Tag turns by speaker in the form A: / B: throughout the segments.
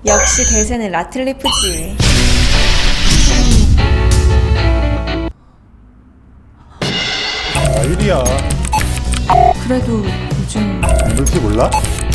A: 역시 대세는 라틀리프지.
B: 일이야.
A: 그래도 요즘
B: 물티 몰라?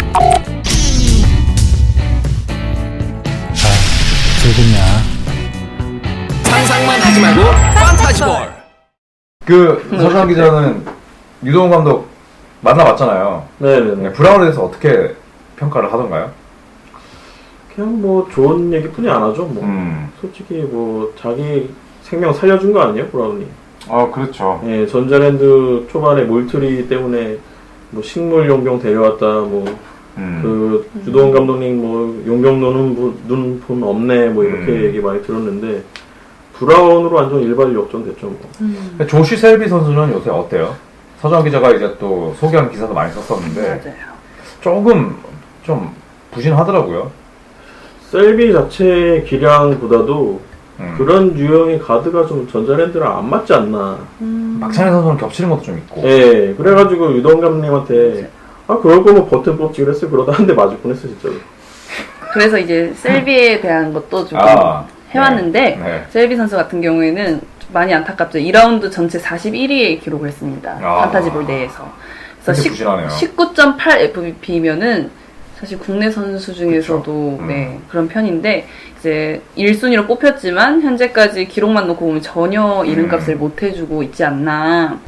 C: 상상만 하지 말고 판타지볼.
D: 서주환 기자는 유동훈 감독 만나봤잖아요.
E: 네네네.
D: 브라운에 대해서 어떻게 평가를 하던가요?
E: 그냥 뭐 좋은 얘기뿐이 안 하죠. 뭐 솔직히 뭐 자기 생명 살려준 거 아니에요, 브라운이?
D: 그렇죠.
E: 예, 전자랜드 초반에 몰트리 때문에 뭐 식물 용병 데려왔다. 뭐 유동훈 감독님 뭐 용병 노는 분 없네. 뭐 이렇게 얘기 많이 들었는데 브라운으로 완전 일발역전 됐죠. 뭐.
D: 조시 셀비 선수는 요새 어때요? 서주환 기자가 이제 또 소개한 기사도 많이 썼었는데
F: 맞아요.
D: 조금 좀 부진하더라고요.
E: 셀비 자체의 기량보다도 그런 유형의 가드가 좀 전자랜드랑 안 맞지 않나.
D: 박찬희 선수는 겹치는 것도 좀 있고.
E: 예, 그래가지고 유동 감독님한테 그럴 거면 버튼 뽑지 그랬어요. 그러다 한 대 맞을 뻔했어 진짜로.
F: 그래서 이제 셀비에 대한 것도 조금 해왔는데
D: 네.
F: 셀비 선수 같은 경우에는 좀 많이 안타깝죠. 2라운드 전체 41위의 기록을 했습니다. 판타지볼 내에서. 그래서
D: 되게 부진하네요.
F: 19.8 FVP면은 사실 국내 선수 중에서도 네, 그런 편인데 이제 1순위로 뽑혔지만 현재까지 기록만 놓고 보면 전혀 이름값을 못 해주고 있지 않나.